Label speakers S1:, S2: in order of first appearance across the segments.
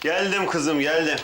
S1: Geldim kızım, geldim.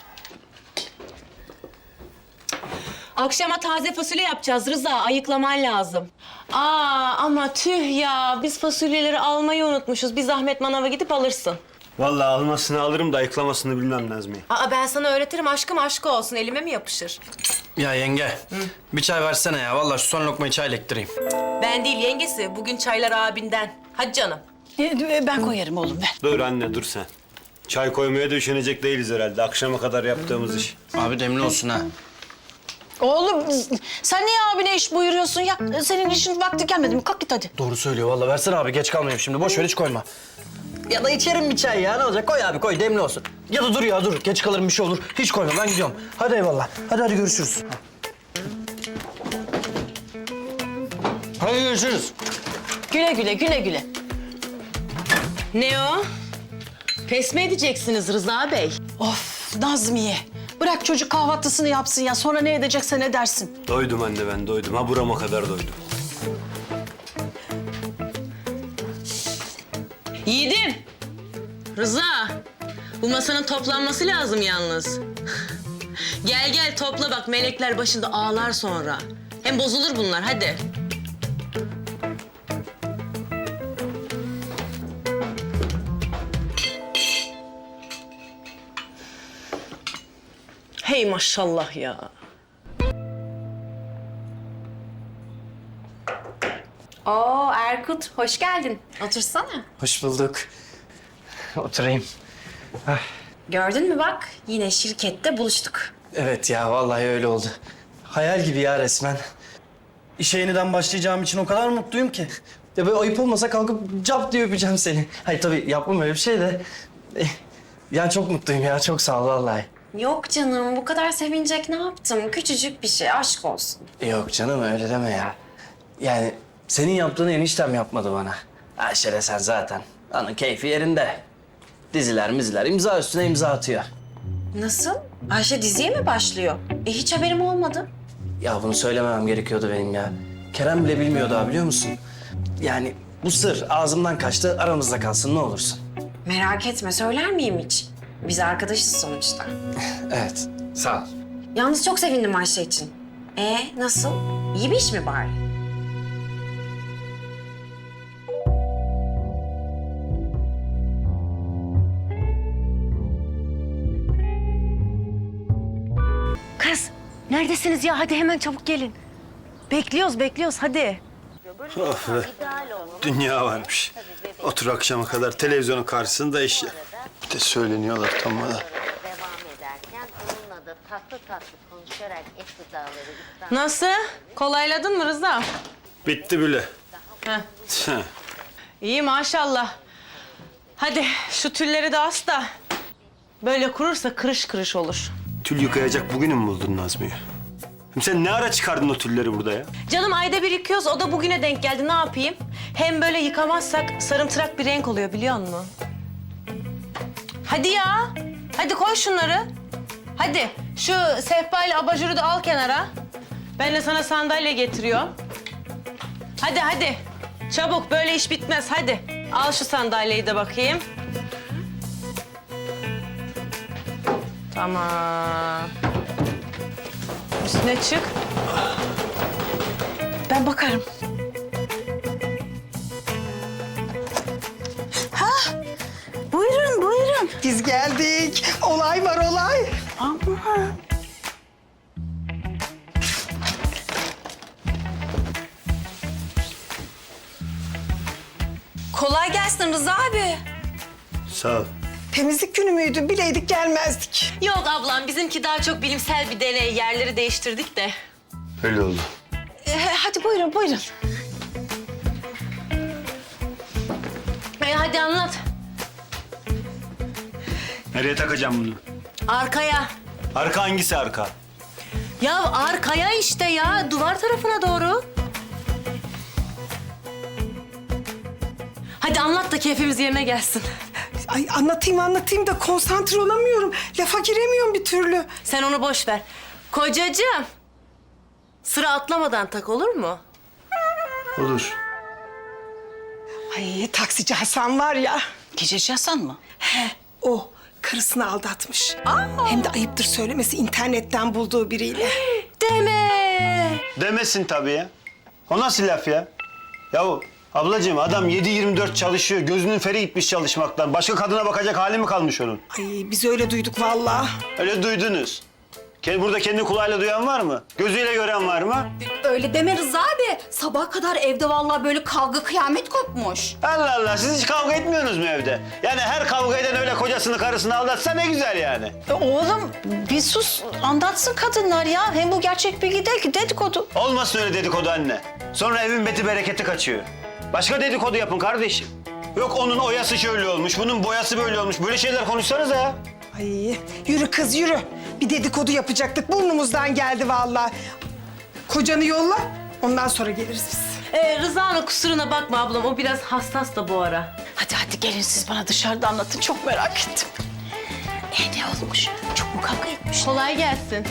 S2: Akşama taze fasulye yapacağız Rıza. Ayıklaman lazım. Ama tüh ya. Biz fasulyeleri almayı unutmuşuz. Bir zahmet manava gidip alırsın.
S1: Vallahi almasını alırım da ayıklamasını bilmem Nazmiye.
S2: Ben sana öğretirim. Aşkım aşkı olsun. Elime mi yapışır?
S3: Ya yenge, bir çay versene ya. Vallahi şu son lokmayı çayla ektireyim.
S2: Ben değil yengesi. Bugün çaylar abinden. Hadi canım.
S4: Ben koyarım oğlum ver.
S1: Dur anne, dur sen. Çay koymaya da üşenecek değiliz herhalde. Akşama kadar yaptığımız iş.
S3: Abi demli olsun ha.
S4: Oğlum sen niye abine iş buyuruyorsun ya? Senin işin vakti gelmedi mi? Kalk git hadi.
S3: Doğru söylüyor vallahi. Versene abi, geç kalmayayım şimdi. Boş ver, hiç koyma. Ya da içerim bir çay ya. Ne olacak? Koy abi, koy. Demli olsun. Ya da dur ya, dur. Geç kalırım, bir şey olur. Hiç koyma, ben gidiyorum. Hadi eyvallah. Hadi görüşürüz. Hadi görüşürüz.
S4: Güle güle güle güle.
S2: Ne o? Pes mi edeceksiniz Rıza Bey?
S4: Of Nazmiye. Bırak çocuk kahvaltısını yapsın ya. Sonra ne edecekse ne dersin?
S1: Doydum anne, ben doydum. Ha burama kadar doydum.
S2: Yiğidim. Rıza. Bu masanın toplanması lazım yalnız. Gel topla bak. Melekler başında ağlar sonra. Hem bozulur bunlar. Hadi. Hey maşallah ya.
S5: Oo Erkut, hoş geldin. Otursana.
S3: Hoş bulduk. Oturayım.
S5: Gördün mü bak, yine şirkette buluştuk.
S3: Evet ya, vallahi öyle oldu. Hayal gibi ya resmen. İşe yeniden başlayacağım için o kadar mutluyum ki. Ya böyle ayıp olmasa kalkıp cap diye öpeceğim seni. Hayır tabii yapmam öyle bir şey de. Ya çok mutluyum ya, çok sağ ol vallahi.
S5: Yok canım, bu kadar sevinecek ne yaptım? Küçücük bir şey, aşk olsun.
S3: Yok canım, öyle deme ya. Yani senin yaptığını eniştem yapmadı bana. Ayşe de sen zaten. Onun keyfi yerinde. Diziler, imza üstüne imza atıyor.
S5: Nasıl? Ayşe diziye mi başlıyor? Hiç haberim olmadı.
S3: Ya bunu söylememem gerekiyordu benim ya. Kerem bile bilmiyor daha, biliyor musun? Yani bu sır ağzımdan kaçtı, aramızda kalsın ne olursun.
S5: Merak etme, söyler miyim hiç? Biz arkadaşız sonuçta.
S3: Evet, sağ ol.
S5: Yalnız çok sevindim Ayşe için. Nasıl? İyi bir iş mi bari?
S2: Kız, neredesiniz ya? Hadi hemen çabuk gelin. Bekliyoruz hadi.
S1: Of be. Dünya varmış. Otur akşama kadar televizyonun karşısında iş yap. Bir de söyleniyorlar tam bana.
S6: devam ederken onunla da tatlı tatlı konuşarak et gıdaları ikram
S2: Nasıl? Kolayladın mı Rıza?
S1: Bitti bile.
S2: Heh. İyi maşallah. Hadi şu tülleri de as da. Böyle kurursa kırış kırış olur.
S1: Tül yıkayacak bugünü mü buldun Nazmiye? Şimdi sen ne ara çıkardın o tülleri burada ya?
S2: Canım ayda bir yıkıyoruz. O da bugüne denk geldi. Ne yapayım? Hem böyle yıkamazsak sarımtırak bir renk oluyor biliyor musun? Hadi ya. Hadi koy şunları. Hadi. Şu sehpa ile abajuru da al kenara. Ben de sana sandalye getiriyorum. Hadi. Çabuk böyle iş bitmez. Hadi. Al şu sandalyeyi de bakayım. Tamam. Üstüne çık.
S4: Ben bakarım. Buyurun.
S7: Biz geldik. Olay var olay.
S4: Ama
S5: Kolay gelsin Rıza abi.
S1: Sağ ol.
S7: Temizlik günü müydü? Bileydik gelmezdik.
S2: Yok ablam, bizimki daha çok bilimsel bir deney. Yerleri değiştirdik de.
S1: Öyle oldu.
S4: hadi buyurun.
S2: Hadi anlat.
S1: Nereye takacağım bunu?
S2: Arkaya.
S1: Arka hangisi arka?
S2: Ya arkaya işte ya. Duvar tarafına doğru. Hadi anlat da keyfimiz yerine gelsin.
S7: Ay anlatayım da konsantre olamıyorum. Lafa giremiyorum bir türlü.
S2: Sen onu boş ver. Kocacığım. Sıra atlamadan tak olur mu?
S1: Olur.
S7: Ay taksici Hasan var ya.
S4: Gececi Hasan mı?
S7: O karısını aldatmış. Hem de ayıptır söylemesi internetten bulduğu biriyle.
S1: Demesin tabii ya. O nasıl laf ya? Yahu ablacığım adam 7/24 çalışıyor. Gözünün feri gitmiş çalışmaktan. Başka kadına bakacak hali mi kalmış onun?
S7: Ay biz öyle duyduk vallahi.
S1: Öyle duydunuz. Burada kendi kulağıyla duyan var mı? Gözüyle gören var mı?
S4: Öyle deme Rıza abi. Sabaha kadar evde vallahi böyle kavga kıyamet kopmuş.
S1: Allah Allah, siz hiç kavga etmiyorsunuz mu evde? Yani her kavga eden öyle kocasını karısını aldatsa ne güzel yani.
S4: Oğlum bir sus anlatsın kadınlar ya. Hem bu gerçek bilgi değil ki dedikodu.
S1: Olmasın öyle dedikodu anne. Sonra evin beti bereketi kaçıyor. Başka dedikodu yapın kardeşim. Yok onun oyası şöyle olmuş, bunun boyası böyle olmuş. Böyle şeyler konuşsanıza ya.
S7: Ay yürü kız yürü. Bir dedikodu yapacaktık burnumuzdan geldi vallahi. Kocanı yolla ondan sonra geliriz biz.
S2: Rıza'nın kusuruna bakma ablam. O biraz hassas da bu ara.
S4: Hadi gelin siz bana dışarıda anlatın. Çok merak ettim. Ne olmuş? Çok mu kavga etmiş?
S2: Kolay gelsin.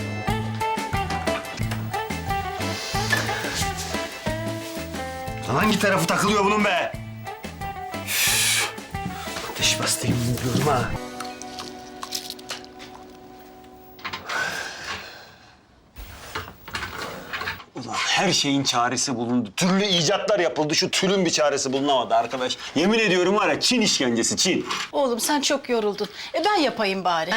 S1: Lan hangi tarafı takılıyor bunun be? Üf, ateş bastayım diyorum ha. Ulan her şeyin çaresi bulundu. Türlü icatlar yapıldı. Şu tülün bir çaresi bulunamadı arkadaş. Yemin ediyorum var ya Çin işkencesi Çin.
S4: Oğlum sen çok yoruldun. Ben yapayım bari.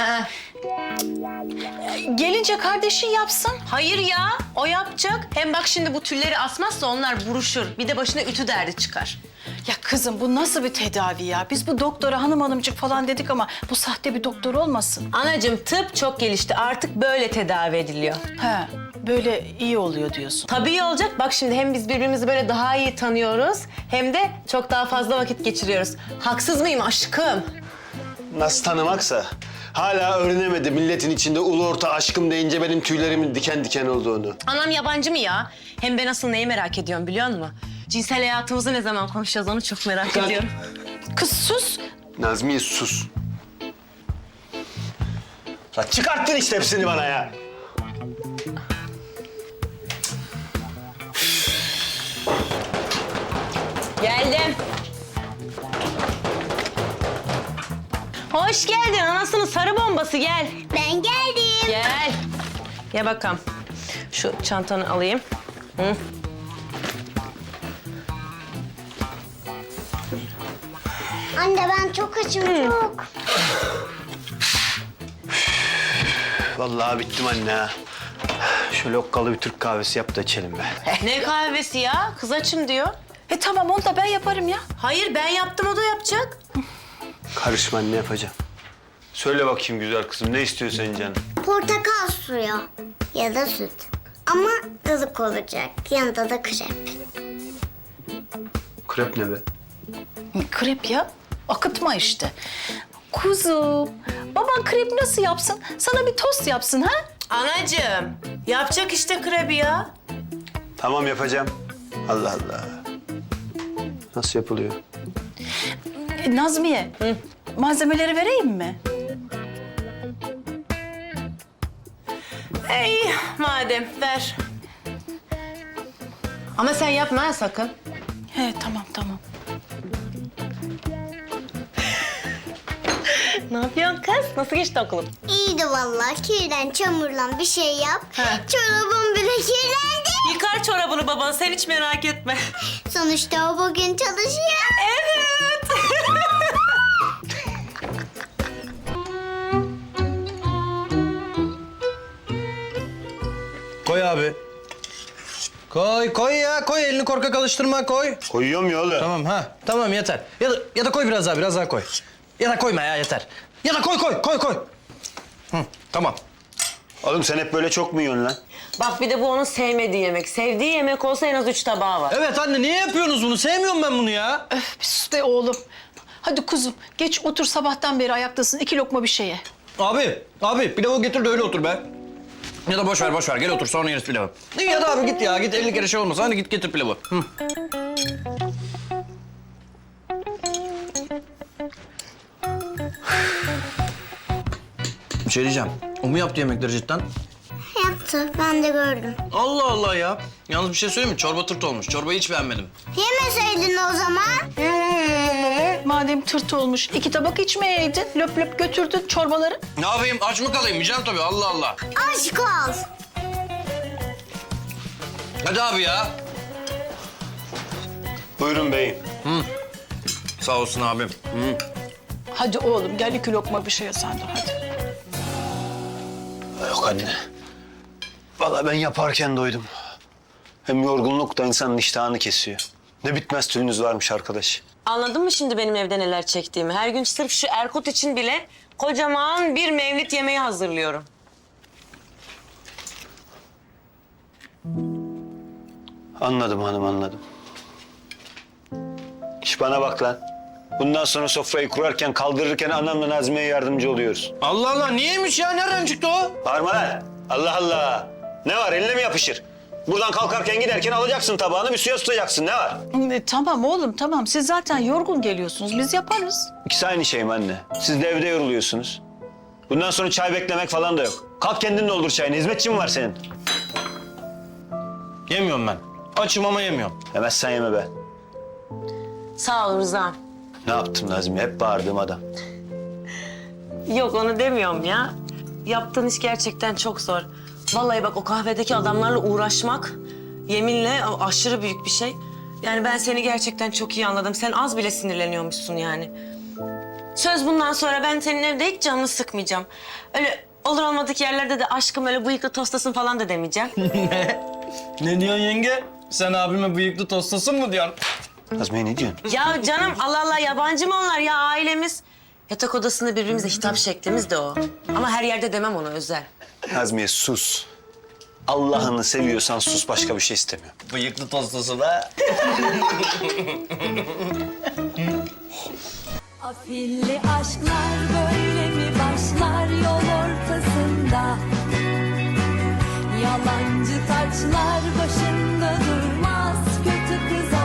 S4: Gelince kardeşin yapsın.
S2: Hayır ya, o yapacak. Hem bak şimdi bu tülleri asmazsa onlar buruşur. Bir de başına ütü derdi çıkar.
S4: Ya kızım bu nasıl bir tedavi ya? Biz bu doktora hanımcık falan dedik ama bu sahte bir doktor olmasın.
S2: Anacığım tıp çok gelişti. Artık böyle tedavi ediliyor.
S4: He, böyle iyi oluyor diyorsun.
S2: Tabii iyi olacak. Bak şimdi hem biz birbirimizi böyle daha iyi tanıyoruz... hem de çok daha fazla vakit geçiriyoruz. Haksız mıyım aşkım?
S1: Nasıl tanımaksa. Hala öğrenemedi milletin içinde ulu orta aşkım deyince benim tüylerimin diken diken olduğunu.
S2: Anam yabancı mı ya? Hem ben asıl neyi merak ediyorum biliyor musun? Cinsel hayatımızı ne zaman konuşacağız onu çok merak ediyorum.
S4: Kız sus.
S1: Nazmiye sus. Lan çıkarttın işte hepsini bana ya.
S2: Geldim. Hoş geldin anasının sarı bombası gel.
S6: Ben geldim.
S2: Gel. Ya bakalım. Şu çantanı alayım. Hı.
S6: Anne ben çok açım çok.
S1: Vallahi bittim anne ha. Şöyle okkalı bir Türk kahvesi yap da içelim be.
S2: Ne kahvesi ya? Kız açım diyor.
S4: Tamam onu da ben yaparım ya.
S2: Hayır ben yaptım o da yapacak.
S1: Karışma anne yapacağım. Söyle bakayım güzel kızım ne istiyorsun canım?
S6: Portakal suyu ya da süt. Ama ılık olacak. Yanında da krep.
S1: Krep ne be?
S4: Krep ya. Akıtma işte. Kuzum, baban krep nasıl yapsın? Sana bir tost yapsın ha?
S2: Anacığım yapacak işte krebi ya.
S1: Tamam yapacağım. Allah Allah. Nasıl yapılıyor?
S4: Nazmiye, malzemeleri vereyim mi?
S2: İyi madem ver. Ama sen yapma ha sakın.
S4: He tamam.
S2: Ne yapıyorsun kız? Nasıl geçti okulun?
S6: İyiydi vallahi. Kirden çamurlan bir şey yap. Çorabım bile kirlendi.
S2: Yıkar çorabını baban sen hiç merak etme.
S6: Sonuçta o bugün çalışıyor.
S2: Evet.
S3: Koy abi. Koy ya koy elini korkak alıştırma koy.
S1: Koyuyorum ya oğlum.
S3: Tamam ha tamam yeter. Ya da koy biraz daha koy. Ya da koyma ya yeter. Ya da koy. Hı, tamam.
S1: Oğlum sen hep böyle çok mu yiyorsun lan?
S2: Bak bir de bu onun sevmediği yemek. Sevdiği yemek olsa en az 3 tabağı var.
S3: Evet anne niye yapıyorsunuz bunu? Sevmiyorum ben bunu ya.
S4: Bir sus be oğlum. Hadi kuzum, geç otur sabahtan beri ayaktasın. 2 lokma bir şeye.
S3: Abi pilavı getir de öyle otur be. Ya da boş ver gel otur sonra yeriz pilavı. Ya da abi git 50 kere şey olmasın hadi git getir pilavı. Hı. Bir şey diyeceğim. O mu yaptı yemekleri cidden?
S6: Yaptı. Ben de gördüm.
S3: Allah Allah ya. Yalnız bir şey söyleyeyim mi? Çorba tırt olmuş. Çorbayı hiç beğenmedim.
S6: Yemeseydin o zaman.
S4: madem tırt olmuş 2 tabak içmeyeydin. Löp löp götürdün çorbaları.
S8: Ne yapayım? Aç mı kalayım? Yiyeceğim tabii. Allah Allah.
S6: Aşk ol.
S8: Hadi abi ya.
S1: Buyurun beyim.
S8: Sağ olsun abim.
S4: Hadi oğlum gel 2 lokma bir şey ye sen de hadi.
S1: Yok anne. Vallahi ben yaparken doydum. Hem yorgunluk da insanın iştahını kesiyor. Ne bitmez tüyünüz varmış arkadaş.
S2: Anladın mı şimdi benim evde neler çektiğimi? Her gün sırf şu Erkut için bile kocaman bir mevlid yemeği hazırlıyorum.
S1: Anladım hanım, anladım. İş bana bak lan. Bundan sonra sofrayı kurarken, kaldırırken anamla Nazmiye'ye yardımcı oluyoruz.
S8: Allah Allah. Niyeymiş ya? Nereden çıktı o?
S1: Bağırma lan. Allah Allah. Ne var, eline mi yapışır? Buradan kalkarken giderken alacaksın tabağını, bir suya tutacaksın. Ne var?
S4: Tamam oğlum tamam. Siz zaten yorgun geliyorsunuz. Biz yaparız.
S1: İkisi aynı şey mi anne? Siz de evde yoruluyorsunuz. Bundan sonra çay beklemek falan da yok. Kalk kendin doldur çayını. Hizmetçi mi var senin?
S8: Yemiyorum ben. Açım ama yemiyorum.
S1: Yemezsen yeme be.
S2: Sağ ol Rıza.
S1: Ne yaptım Nazmiye? Hep bağırdığım adam.
S2: Yok onu demiyorum ya. Yaptığın iş gerçekten çok zor. Vallahi bak o kahvedeki adamlarla uğraşmak yeminle aşırı büyük bir şey. Yani ben seni gerçekten çok iyi anladım. Sen az bile sinirleniyormuşsun yani. Söz bundan sonra ben senin evde hiç canını sıkmayacağım. Öyle olur olmadık yerlerde de aşkım öyle bıyıklı tostasın falan da demeyeceğim.
S3: Ne diyorsun yenge? Sen abime bıyıklı tostosun mu diyorsun?
S1: Nazmiye ne diyorsun?
S2: Ya canım Allah Allah yabancı mı onlar ya ailemiz? Yatak odasında birbirimize hitap şeklimiz de o. Ama her yerde demem ona özel.
S1: Nazmiye sus. Allah'ını seviyorsan sus, başka bir şey istemiyorum.
S3: Bıyıklı tostosu da.
S9: Afilli aşklar böyle mi başlar yol ortasında? Yalancı taçlar başında durmaz, kötü kız